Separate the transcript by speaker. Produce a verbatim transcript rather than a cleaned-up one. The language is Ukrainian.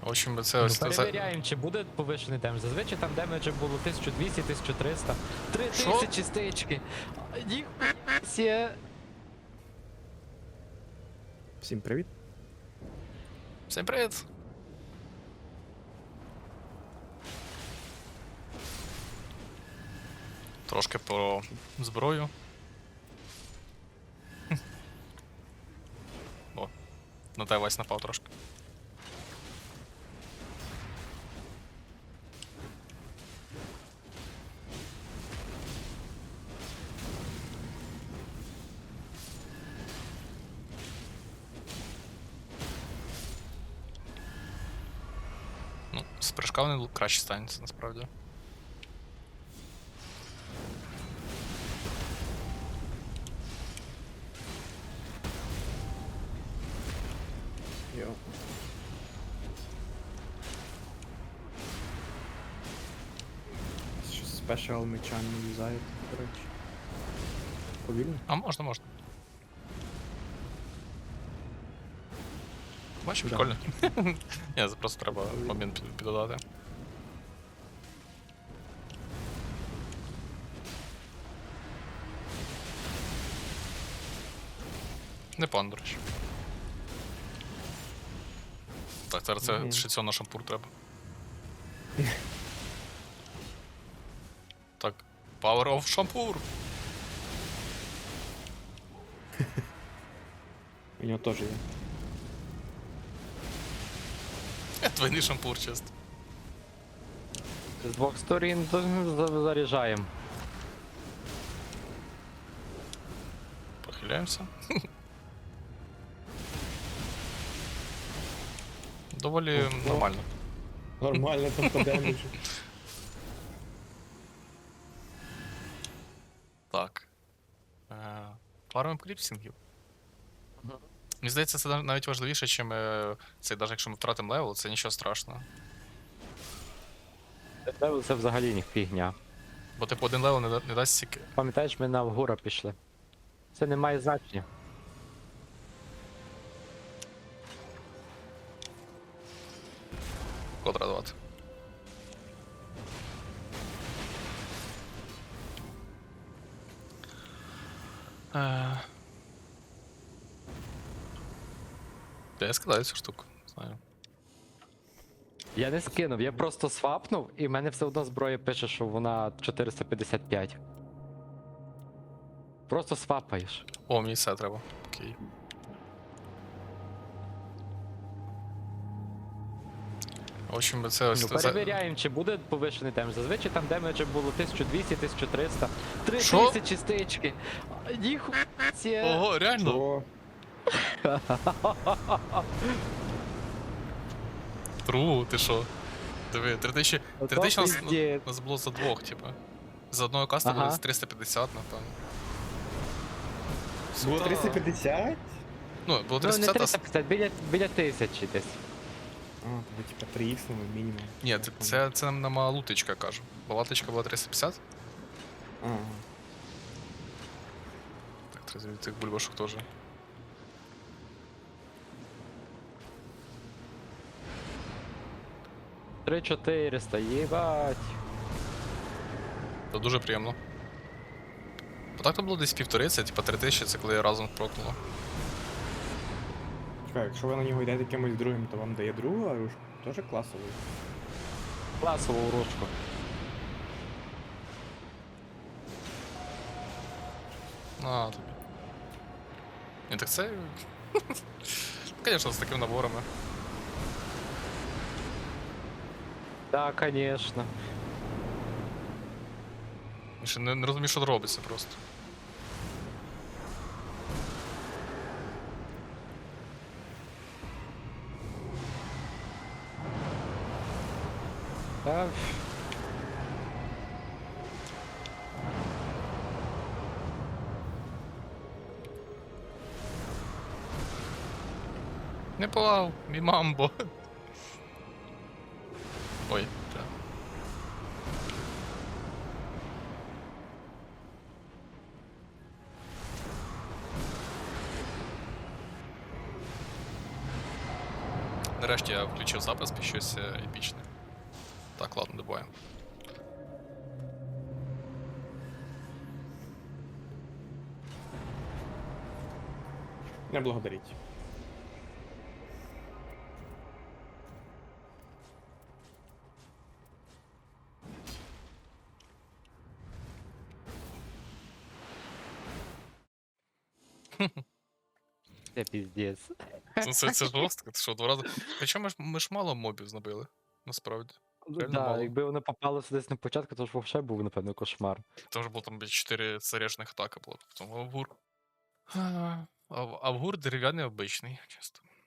Speaker 1: В общем, це
Speaker 2: Ну,
Speaker 1: ось... це-
Speaker 2: перевіряємо, чи буде повишений демедж. Зазвичай там демеджа було тисяча двісті, тисяча триста. три тисячі стички. Ніхуя.
Speaker 3: Всім привіт.
Speaker 1: Всім привіт! Трошки про зброю. О, на тебе Вась напав трошки. Ну, з прыжка вони краще станеться, насправді.
Speaker 3: Йо. Що спешал меча не юзають, до речі. Повільно?
Speaker 1: А можна, можна. Бачиш,
Speaker 3: Да.
Speaker 1: прикольно. Ні, це просто треба момент під- піддодати. Не пан, до речі. Так, зараз це
Speaker 3: Мгм.
Speaker 1: ще цього на шампур треба. Так, Power of шампур!
Speaker 3: У нього теж є.
Speaker 1: Е, Двойний шампур, чесно.
Speaker 2: З двох сторін за- за- заряджаємо.
Speaker 1: Похиляємося. Доволі
Speaker 3: Ого.
Speaker 1: нормально.
Speaker 3: Нормально там по демеджу.
Speaker 1: Так. Е, Фармим кліпсінгів.
Speaker 2: Мгм.
Speaker 1: Мені здається, це нав- навіть важливіше, чим е, це, навіть якщо ми втратимо левел, це нічого страшного.
Speaker 2: Це, це взагалі не фігня.
Speaker 1: Бо типу один левел не, да- не дасть стільки.
Speaker 2: Пам'ятаєш, ми на вгора пішли. Це не має значення.
Speaker 1: Код радувати. Е... Та я скидаю цю штуку, знаю.
Speaker 2: Я не скинув, я просто свапнув, і в мене все одно зброя пише, що вона чотириста п'ятдесят п'ять. Просто свапаєш.
Speaker 1: О, мені це треба. Окей. В общем, це ось...
Speaker 2: Ну,
Speaker 1: це-
Speaker 2: перевіряємо, чи буде повишений демедж. Зазвичай там демеджа було тисяча двісті, тисяча триста.
Speaker 1: Що?
Speaker 2: три тисячі стички. Ніхуя.
Speaker 1: Ого, реально?
Speaker 3: О,
Speaker 1: Тру, ти що? Диви, три тисячі... три тисячі нас,
Speaker 2: пиздець.
Speaker 1: нас було за двох, типу. За одного каста
Speaker 2: Ага.
Speaker 1: було триста п'ятдесят, напевно.
Speaker 3: було
Speaker 1: Сука.
Speaker 3: триста п'ятдесят?
Speaker 1: Ну, було
Speaker 2: Ну,
Speaker 1: триста
Speaker 2: не
Speaker 1: п'ятдесят,
Speaker 2: триста п'ятдесят, біля, біля тисячі десь.
Speaker 3: А, тобі типа три ікс мінімум.
Speaker 1: а... Ні, це, це, це нам на малутичка кажу. Бо латочка була триста п'ятдесят.
Speaker 3: Ага.
Speaker 1: Так, треба звідти цих бульбашок теж.
Speaker 2: три чотириста, їбать.
Speaker 1: Це дуже приємно. Бо так то було десь півтори, це типа три тисячі, це коли разом прокнуло.
Speaker 3: Чекай, якщо ви на нього йдете якимось другим, то вам дає другу, а ж теж класовий.
Speaker 2: Класову ручку.
Speaker 1: А, тобі. Ні, так це... Звісно, з такими наборами.
Speaker 2: Так, конечно.
Speaker 1: Я ще не, не розумію, що робиться просто.
Speaker 2: Так.
Speaker 1: Не плав, мій мамбо. Ой, так. Нарешті я включив запис під щось е, епічне. Так, ладно, добуваємо.
Speaker 3: Не благодаріть.
Speaker 2: Це піздець.
Speaker 1: Це, це, це жорстко, ти що, два рази. Хоча ми ж, ми ж мало мобів знабили, насправді. Реально
Speaker 2: Да,
Speaker 1: мало.
Speaker 2: якби вони попалися десь на початку, то ж взагалі був, напевно, кошмар.
Speaker 1: Там ж було там чотири заряжених атаки було, потім Авгур. А, Ав- Авгур дерев'яний обичний, чисто.